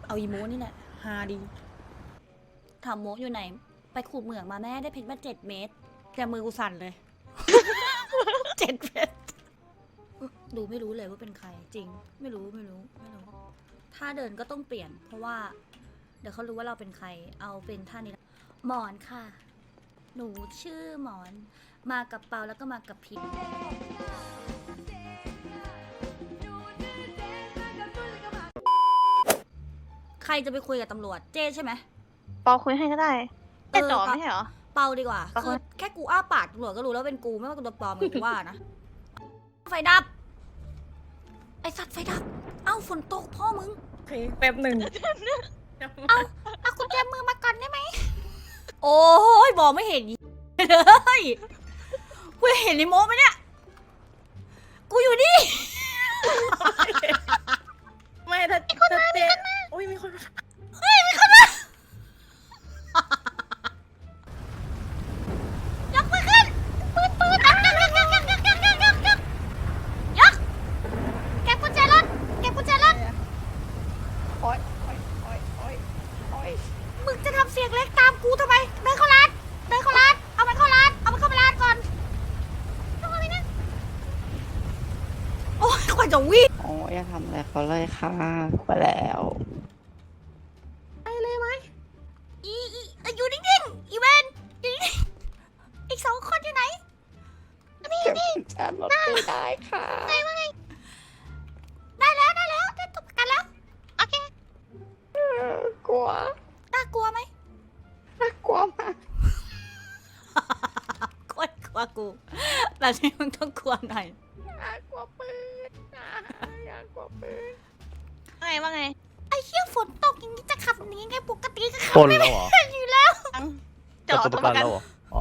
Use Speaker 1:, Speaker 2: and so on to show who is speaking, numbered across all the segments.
Speaker 1: เอาอีโมนี่แหละฮาดีถามโมอยู่ไหน ไปขูดเหมืองมาแม่ได้เพชรมา7 เม็ดแต่มือกูสั่นเลย 7 เม็ดดูไม่รู้เลยว่าเป็นใครจริง ไม่รู้ท่าเดินก็ต้องเปลี่ยน เพราะว่า เดี๋ยวเขารู้ว่าเราเป็นใคร เอาเป็นท่านี้หมอนค่ะ หนูชื่อหมอน มากับเปาแล้วก็มากับพิมใครจะไปคุยกับตำรวจเจ้ใช่ไหม
Speaker 2: เปาคุยให้ก็ได้แต่จ่อไม่ใช่เหรอ
Speaker 1: เปาดีกว่า
Speaker 2: เปา
Speaker 1: คือแค่กูอ้าปากตำรวจก็รู้แล้วเป็นกูไม่ว่ากูตัวปลอมกูว่านะ ไฟดับ ไอสัตว์ไฟดับ เอ้าฝนตกพ่อมึง
Speaker 3: โอเคแป๊บหนึ่ง
Speaker 1: เอากุญแจมือมาก่อนได้ไหม โอ้ยบอกไม่เห็นเลยกูเห็นในโม้ไหมเนี่ย กูอยู่นี่
Speaker 3: ไม่ถ้าเจ๊อุ้ยมีคนมา
Speaker 1: ยกมือขึ้นปืนยกเก็บกุญแจรถมึงจะทำเสียงเล็กตามกูทำไมเดินเข้าร้านเอามันเข้าร้านก่อนโอ้ยกว่าจะวิ่ง
Speaker 4: โอ้ยอย่าทำอะไรเขาเลยค่ะไปแล้ว
Speaker 1: อยู่นิ่งๆอีเวนอยู่นิ่งๆอีก2 คนอยู่ไหน
Speaker 4: เก็บกุญแจรถไม่ได้ค่ะ
Speaker 1: ได้แล้วได้ตบกันแล้วโอเค
Speaker 4: กลัว
Speaker 1: น่ากลัวไหม
Speaker 4: น่ากลัวมาก
Speaker 1: กลัวกูแบบนี้มึงต้องกลัวหน่อย
Speaker 4: น่ากลัวปืนน่ากลัวปืน
Speaker 2: ว่าไง
Speaker 1: ไอ้เหี้ยฝนตกอย่างนี้จะขับหนีไงปกติก็ขับ
Speaker 5: ปล้น
Speaker 1: ไม่
Speaker 5: แล้วเหรอ
Speaker 1: เป็นอยู่แล้ว
Speaker 2: จ่อ
Speaker 5: จับ
Speaker 2: ตั
Speaker 5: ตัว ว
Speaker 2: ป
Speaker 5: ประ ระ
Speaker 2: กั
Speaker 5: กัน นแล้วเหรอ อ๋อ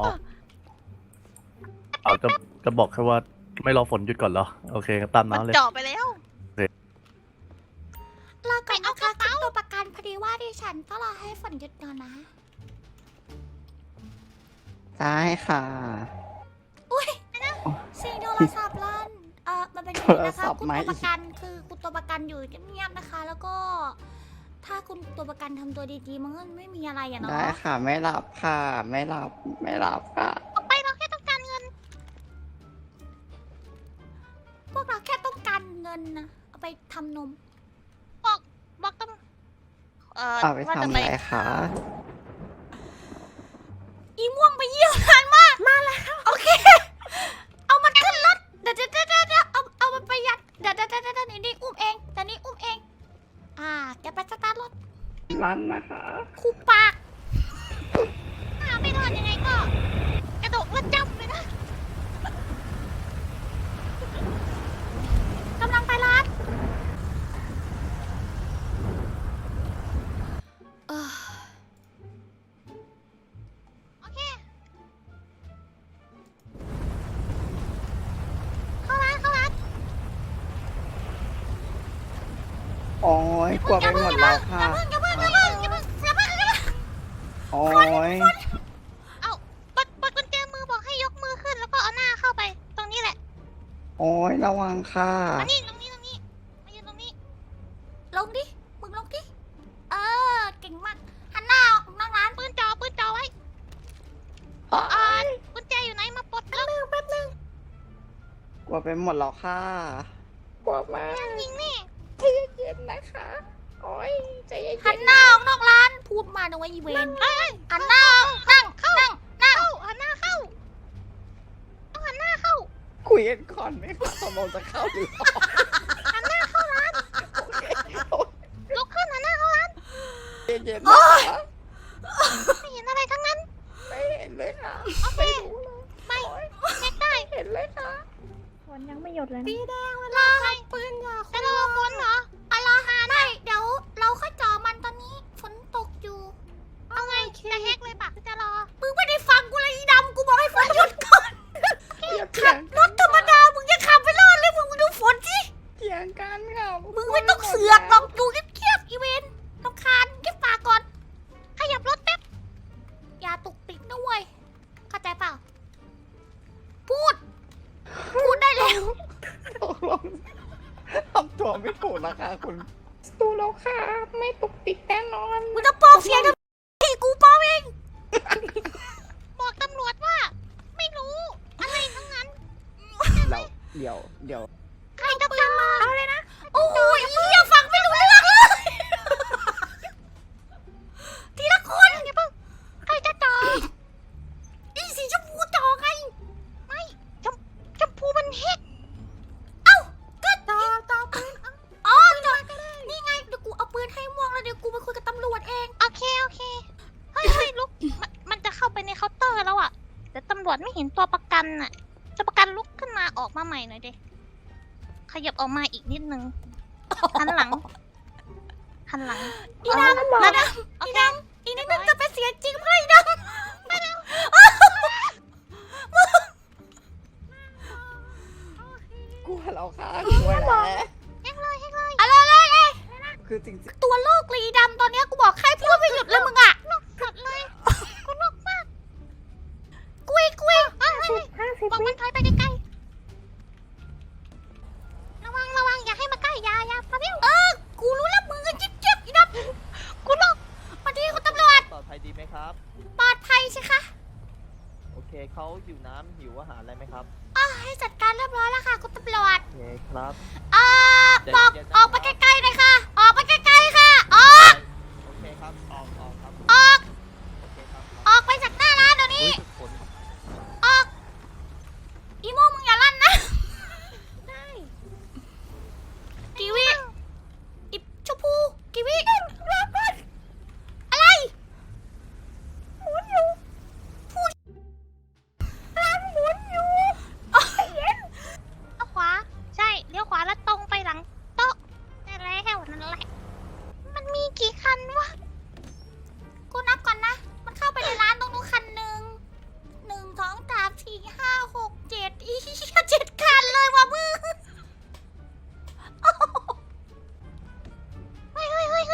Speaker 5: เอาจะบอกแค่ว่าไม่รอฝนหยุดก่อนเหรอ โอเคงั้นตาม
Speaker 2: มัน
Speaker 5: น้ำเลย
Speaker 2: จ่อไปแล้ว
Speaker 1: รอก่อนนะคะขึ้นตัวประกันพอดีว่าดิฉันต้องรอให้ฝนหยุดก่อนนะ
Speaker 4: ได้ค่ะ
Speaker 1: อุ้ยเสียงโทรศัพท์ลั่นมันเป็นอย่างนี้นะคะ
Speaker 4: โทรศัพท์
Speaker 1: คุณ
Speaker 4: ไหม
Speaker 1: ตัวประกันคือคุณตัวประกันอยู่เงียบๆนะคะ แล้วก็ ถ้าคุณตัวประกันทำตัวดีๆมันก็ไม่มีอะไรอะเนาะ
Speaker 4: ได้ค่ะไม่หลับค่ะ ไม่หลับค่ะ
Speaker 1: ไปเราแค่ต้องการเงิน พวกเราแค่ต้องการเงินนะเอาไปทำนม
Speaker 2: บอกต้อง
Speaker 4: เอาไป
Speaker 2: ว่า
Speaker 4: ทำ
Speaker 2: จะ
Speaker 4: อะไรคะ
Speaker 1: อีม่วงไปเยี่ยมนานมาก มาแล้ว โอเค เอามันขึ้นรถ เดี๋ยวเอามันไปยัด เดี๋ยวนี่อุ้มเองแต่นี่อุ้มเอง แกไปสตาร์ทรถ
Speaker 4: รันนะคะ
Speaker 1: คูปากไม่ทันยังไงก็ กระโดดแล้วจับเลยนะกำลังไปร้านโอเค เข้าร้าน
Speaker 4: โอ้ยกลัวไปหมดแล้วค่ะ
Speaker 1: อย่าเพิ่ง
Speaker 4: โอ้ย
Speaker 2: เอาปดกุญแจมือบอกให้ยกมือขึ้นแล้วก็เอาหน้าเข้าไป ตรงนี้แหละ
Speaker 4: โอ้ยระวังค่ะ
Speaker 2: อันนี้ตรงนี้มายืนตรงนี้
Speaker 1: ลงดิ มึงลงดิ เก่งมาก หันหน้าออกนั่งร้าน
Speaker 2: ปืนจ่อไว้กุญแจอยู่ไหนมาปลดแล้ว
Speaker 1: แป๊บนึง
Speaker 4: กลัวไปหมดแล้วค่ะกลัวมาก
Speaker 2: ยิงนี่
Speaker 4: ใจเย็นๆนะคะ โอ้ยใจเย็นๆ
Speaker 1: หันหน้าออกนอกร้าน พูดมานะว่าอีเวนหันหน้าออกนั่ง
Speaker 2: หันหน้าเข้าต้องหันหน้าเข้า
Speaker 4: คุยกันก่อนไหมคะตกลงจะเข้าหรือออก
Speaker 2: หันหน้าเข้าร้าน
Speaker 4: โอเค
Speaker 2: ลุกขึ้นหันหน้าเข้าร้าน
Speaker 4: ใจเย็นๆนะคะ
Speaker 2: ไม่เห็นอะไรทั้งนั้น
Speaker 4: ไม่เห็นเลยค่ะ
Speaker 2: โอเค
Speaker 4: ไม่รู้เลย
Speaker 2: ไม่ เช็คได้
Speaker 4: เห็นเลยค่ะ
Speaker 3: ฝนยังไม่หยุดเลยนะ
Speaker 1: ปีแดงเวลาให้ปืนอย่า
Speaker 2: จะรอฝนเหรอ
Speaker 1: รอหาได้เดี๋ยวเราค่อยจ่อมันตอนนี้ ฝนตกอยู่
Speaker 2: เอาไงจะแฮกเลยปะจะรอ
Speaker 1: มึงไม่ได้ฟังกูเลยอีดำ กูบอกให้ฝนหยุดก่อน
Speaker 4: อย่าเถี
Speaker 1: ขั
Speaker 4: ย
Speaker 1: บ
Speaker 4: ง
Speaker 1: รถธรรมดา มึงยังขับไปรอดเลยมึงดูฝนสิ
Speaker 4: เถียงกันค่ะ
Speaker 1: มึงไม่ต้องเสือกหรอกดูเงียบๆอีเวนรำคาญเก็บปากก่อน ขยับรถแป๊บ อย่าตุกติกนะเว้ย เข้าใจเปล่า พูดได้แล้ว
Speaker 4: ตกลงทำตัวไม่ถูกนะคะคุณสู้เรา
Speaker 3: แล้วค่ะ ไม่ตุกติกแน่นอน
Speaker 1: มึงจะปลอมเสียงทำไมกูปลอมเอง
Speaker 2: บอกตำรวจว่า ไม่รู้ อะไรทั้งนั้น
Speaker 4: เดี๋ยว
Speaker 2: ใครจะฟังมาเอาเลยนะ
Speaker 1: โอ้ยอย่าฟังไม่รู้เรื่องเลยทีละคน
Speaker 2: อย่าเพิ่งใครจะต่อ
Speaker 1: อีสีชมพูต่อไง
Speaker 2: ไม่ชมพูมันเฮ็ด
Speaker 1: เอ้าก็ต่อปืนอ๋อต่อนี่ไงเดี๋ยวกูเอาปืนให้ม่วงแล้วเดี๋ยวกูไปคุยกับตำรวจเอง
Speaker 2: โอเคเฮ้ยลุกมันจะเข้าไปในเคาน์เตอร์แล้วอ่ะแต่ตำรวจไม่เห็นตัวประกันน่ะตัวประกันลุกขึ้นมาออกมาใหม่หน่อยดิขยับออกมาอีกนิดนึงหันหลัง
Speaker 1: อีนังแล้วนะ
Speaker 2: โอเค
Speaker 1: อีนังจะเป็นเสียจริงไหมอีนังไปแล้ว
Speaker 4: กลัวเราค่ะกลัวแหละ
Speaker 2: เฮ็ดเลย
Speaker 1: อะไร
Speaker 4: คือจริง
Speaker 1: ตัวโลกลีดำตอนเนี้ยกูบอกใครพูดไม่หยุดเลยมึงอ่ะ
Speaker 2: กดเลยกูนกมาก
Speaker 1: กุย
Speaker 2: 50บอกมันถอยไปใกล้ๆระวังอย่าให้มาใกล้อย่าพะเบี้ยว
Speaker 1: กูรู้แล้วมึงก็จิ๊บอีนัง
Speaker 2: กูนก
Speaker 1: มาที่คุณตำรวจ
Speaker 6: ปลอดภัยดีไหมครับ
Speaker 1: ปลอดภัยใช่คะ
Speaker 6: โอเคเขาหิวน้ำหิวอาหารอะไรไหมครับ
Speaker 1: ให้จัดการเรียบร้อยแล้วค่ะคุณตำรวจ
Speaker 6: โอเคครับ
Speaker 1: บอก
Speaker 6: เดี๋ยว
Speaker 1: ออกไปใกล้ๆเลยค่ะ ออกไปใกล้ๆค่ะ ออก
Speaker 6: โอเคครับ ออกครับ
Speaker 1: ออก
Speaker 6: โอเคครับ
Speaker 1: ออกไปจากหน้าร้านเดี๋ยวนี้
Speaker 6: อุ้ยฝน
Speaker 1: ออก อีโมมึงอย่าลั่นนะ ได้กีวีอิชมพูกีวีอะไรหมุนอยู่พูดร้านหมุนอยู่
Speaker 2: เอาขวาใช่เลี้ยวขวาแล้วตรงไปหลังโต๊ะนั่นแหละมันมีกี่คันวะ
Speaker 1: กูนับก่อนนะ มันเข้าไปในร้านตรงนู้นคันหนึ่ง1 2 3 4 5 6 7อี7 คันเลยว่ะมึง
Speaker 2: เฮ้ย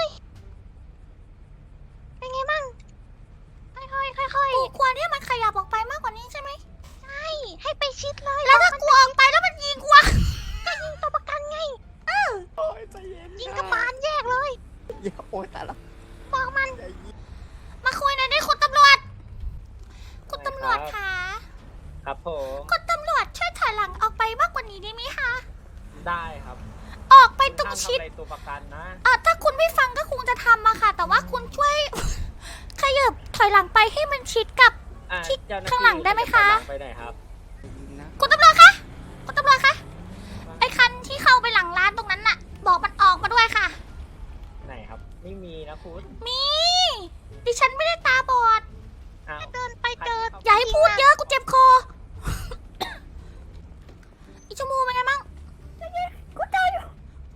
Speaker 2: เป็นไงบ้างค่อย
Speaker 1: กูควรที่มันขยับออกไปมากกว่านี้ใช่ไหม
Speaker 2: ใช่ให้ไปชิดเลย
Speaker 1: แล้วถ้ากูออกไปแล้วมันยิงกูอะ
Speaker 2: ก็ยิงตัวประกันไง
Speaker 4: ๆโอ้ยใจเย็น
Speaker 2: ยิงกระบาลแยกเลย
Speaker 4: อย่าโอ้ยแต่ละ
Speaker 2: บอกมัน
Speaker 4: ใจเย็น
Speaker 1: มาคุยหน่อยดิคุณตำรวจ คุณตำรวจคะ
Speaker 7: ครับผม
Speaker 1: คุณตำรวจช่วยถอยหลังออกไปมากกว่านี้ได้ไหมคะ
Speaker 7: ได้ครับ
Speaker 1: ออกไปตรง
Speaker 7: ห้าม
Speaker 1: ชิด
Speaker 7: ทำอะไรตัวประกันนะ
Speaker 1: ถ้าคุณไม่ฟังก็คงจะทำมาค่ะ แต่ว่าคุณช่วย ขยับถอยหลังไปให้มันชิดกับ
Speaker 7: อ่ะ
Speaker 1: ที่
Speaker 7: เจ้น้
Speaker 1: ข้างหลังได้ไหมคะ
Speaker 7: จถอยลังไปไหนครับ
Speaker 4: นะ
Speaker 1: คุณตำรวจคะ คุณตำรวจคะ ไอ้คันที่เข้าไปหลังร้านตรงนั้นน่ะ บอกมันออกมาด้วยค่ะ
Speaker 7: ไหนครับ ไม่มีนะคุณ
Speaker 1: มี ดิฉันไม่ได้ตาบอด
Speaker 7: อ้าว
Speaker 2: เดินไปเจอ
Speaker 1: อย่าให้พูดเยอะกูเจ็บคอ อีชมูเป็นไงมั่งกูเจออยู่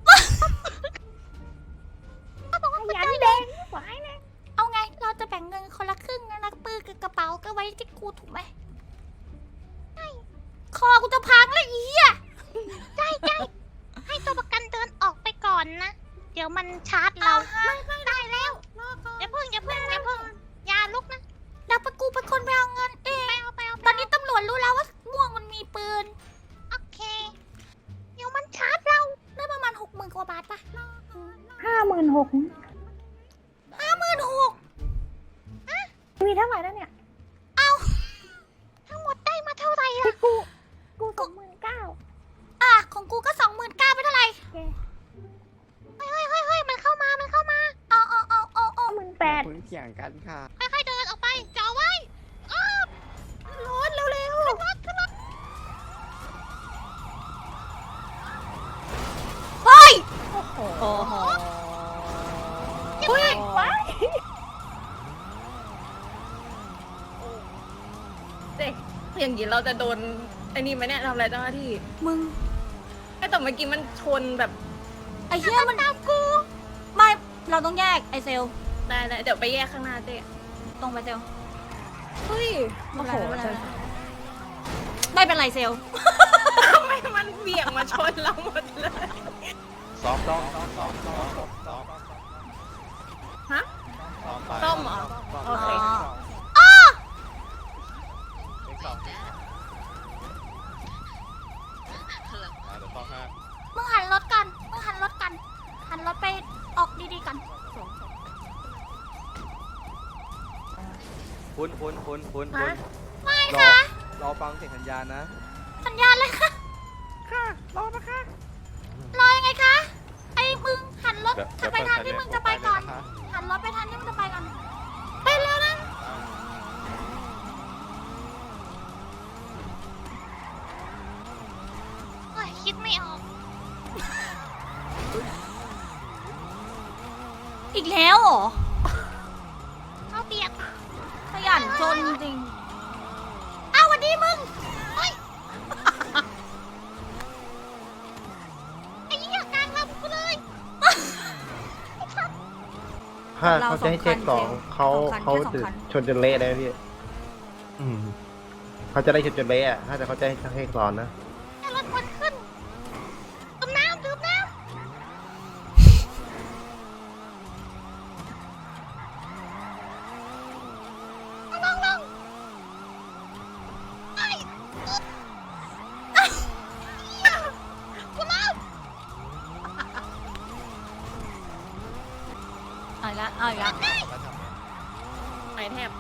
Speaker 3: ยันแดงหวายนะ
Speaker 1: เอาไง เราจะแบ่งเงินคนละครึ่งนะปื้อกับกระเป๋าก็ไว้ที่กูถูกไหมใช่คอกูจะพังแล้วอีอ่ะ
Speaker 2: ใช่ให้ตัวประกันเดินออกไปก่อนนะ เดี๋ยวมันชาร์จเราได้แล้วอย่าเพิ่งอย่าลุกนะ
Speaker 1: เดี๋ยวกูเป็นคนไปเอาเงินเอง
Speaker 2: ไปเอา
Speaker 1: ตอนนี้ตำรวจรู้แล้วว่าม่วงมันมีปืน
Speaker 2: โอเค เดี๋ยวมันชาร์จเรา
Speaker 1: ได้ประมาณ60,000 กว่าบาทปะ
Speaker 3: 56,000
Speaker 1: 56,000
Speaker 3: มีเท่าไหร่แล้วเนี่ย
Speaker 2: ทั้งหมดได้มาเท่าไหร่
Speaker 3: ที่
Speaker 2: ล่ะ
Speaker 3: กู29,000
Speaker 1: ของกูก็ 29,000ไปเท่าไหร่
Speaker 2: เฮ้ยมันเข้ามา
Speaker 1: เอา
Speaker 3: 18,000
Speaker 4: เพิ่งเถียงกันค่ะ
Speaker 2: ค่อยๆเดินออกไปจ่อไว้อ้าวรถเร็วๆขึ้นรถ
Speaker 1: เฮ้ย
Speaker 3: โอ้โห
Speaker 4: โอ้โห
Speaker 3: เฮ้ยว้ายเด็กอย่างนี้เราจะโดนไอ้นี่ไหมเนี่ยทำอะไรเจ้าหน้าที่
Speaker 1: มึง
Speaker 3: ไอ้แต่เมื่อกี้มันชนแบบ
Speaker 1: ไอ้เหี้ยมันตามกู ไม่ เราต้องแยกไอเซล
Speaker 3: ได้เดี๋ยวไปแยกข้างหน้าเจ๊
Speaker 1: ตรงไปเซล
Speaker 3: เฮ้ยโอ้โห
Speaker 1: ไม่เป็นไรเซล
Speaker 3: ทำไมมันเบี่ยงมาชนเราหมดเลย
Speaker 6: ซ้อม
Speaker 3: ฮะ ต้มเหรอ โอเค
Speaker 1: มึงหันรถก่อน หันรถไปออกดีๆกัน
Speaker 6: คุณ
Speaker 3: ฮะ
Speaker 1: ไม่ค่ะ
Speaker 6: รอฟังเสียงสัญญาณนะ
Speaker 1: สัญญาณเลยค่ะ
Speaker 6: ค่ะ รอนะคะ
Speaker 1: รอยังไงคะ ไอ้มึงหันรถจะไปทางที่มึงจะไปก่อน หันรถไปทางที่มึงจะไปก่อน ไปเร็วนะ
Speaker 2: โอ้ยคิดไม่ออก
Speaker 1: อีกแล้วเหรอ
Speaker 2: เขาเบียด
Speaker 1: ขยันจนจริงๆอ้าวสวัสดีมึง
Speaker 2: เฮ้ย ไอ้เหี้ยกลางลำกูเลย
Speaker 8: ถ้าเขาจะให้เช็คสองเขาจะชนจนเละได้ไหมพี่
Speaker 5: อืม
Speaker 8: เขาจะได้ชนจนเละอะถ้าเขาจะให้เช็คสอนนะ
Speaker 2: แค่รถควันขึ้นดื่มน้ำลงไอ้เหี้ยกูเล่า
Speaker 1: เอาอีกแล้วเอาอีกแล้ว
Speaker 3: ไปแทบ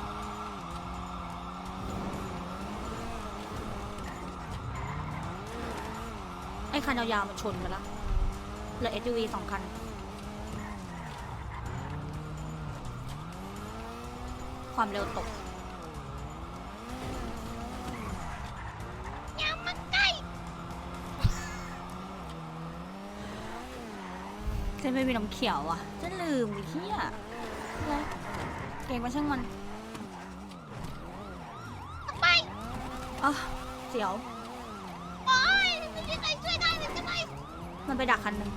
Speaker 1: ไอ้คันยาวๆมันชนกันแล้วเหลือ SUV 2 คัน ความเร็วตก
Speaker 2: อย่ามาใกล้
Speaker 1: เจ๊ไม่มีน้ำเขียวอ่ะเจะลืมไอ้เหี้ยอะไรเก่งมาช่างมัน
Speaker 2: ไป
Speaker 1: อ๋อเสียว
Speaker 2: โอ้ยไม่มีใครช่วยได้เลยใช่ไหม
Speaker 1: มันไปดักคันหนึ่ง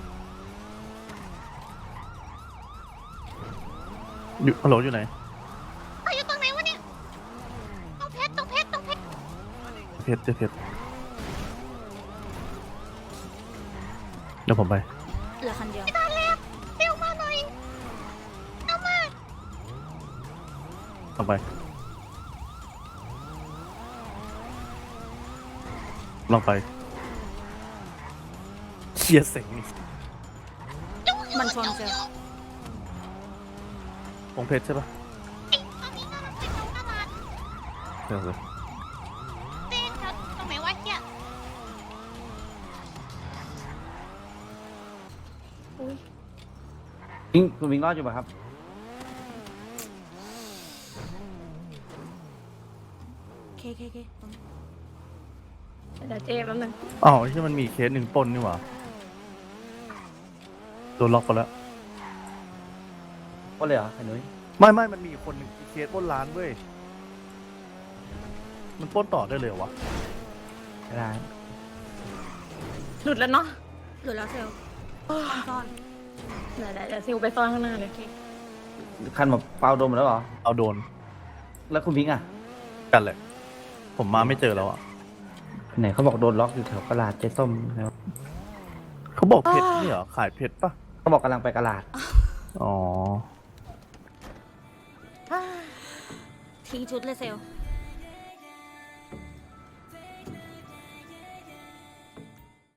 Speaker 5: อยู่ฮัลโหลอยู่ไหน
Speaker 2: เขาอยู่ตรงไหนวะเนี่ยต้องเพชร
Speaker 5: เพชรเจอเพชรเดี๋ยวผมไป
Speaker 1: เหลือคันเดียว
Speaker 2: ไม่ได้แล้วเร็วมาหน่อยเอามา
Speaker 5: ต้องไปลองไปเชียร์เสงนี่
Speaker 1: มันชนเซล
Speaker 5: องเพชรใช่ปะ
Speaker 2: ไอ้ตอนนี้กำลังไปแถวตลาด
Speaker 5: เดี๋ยวเลย
Speaker 2: เต้นแถวตรงไหนวะเฮีย
Speaker 8: คุณวิงรอดอยู่ป่ะครับ
Speaker 1: เค
Speaker 3: เดี๋ยวเจ๊แป๊บนึง
Speaker 5: อ้าวที่มันมีเคสหนึ่งปล้นนี่หว่าโดนล็อกไปแล้ว
Speaker 8: ก็เลยเหรอไอ้นุ้ย
Speaker 5: ไม่มันมีอีกคนหนึ่งเคสปล้นร้านเว้ยมันปล้นต่อได้เลยเหรอวะ
Speaker 8: ไม่ได้
Speaker 3: หลุดแล้วเนาะ
Speaker 1: เหลือแล้วเซลซ่อน
Speaker 3: เดี๋ยวซิวไปซ่อนข้างหน้าเลย
Speaker 8: คันแบบเปล่าโดมแล้วเหรอ
Speaker 5: เอาโดน
Speaker 8: แล้วคุณพิงค์อ่ะ
Speaker 5: กันแหละ ผมมาไม่เจอแล้วอ่ะ
Speaker 8: ไหนเขาบอกโดนล็อกอยู่แถวกระลาดเจ๊ส้มแล้ว
Speaker 5: เขาบอกเพชรนี่เหรอขายเพชรปะ
Speaker 8: เขาบอกกำลังไปกระลาด
Speaker 5: อ๋อ
Speaker 1: ทิ้งชุดเลยเซล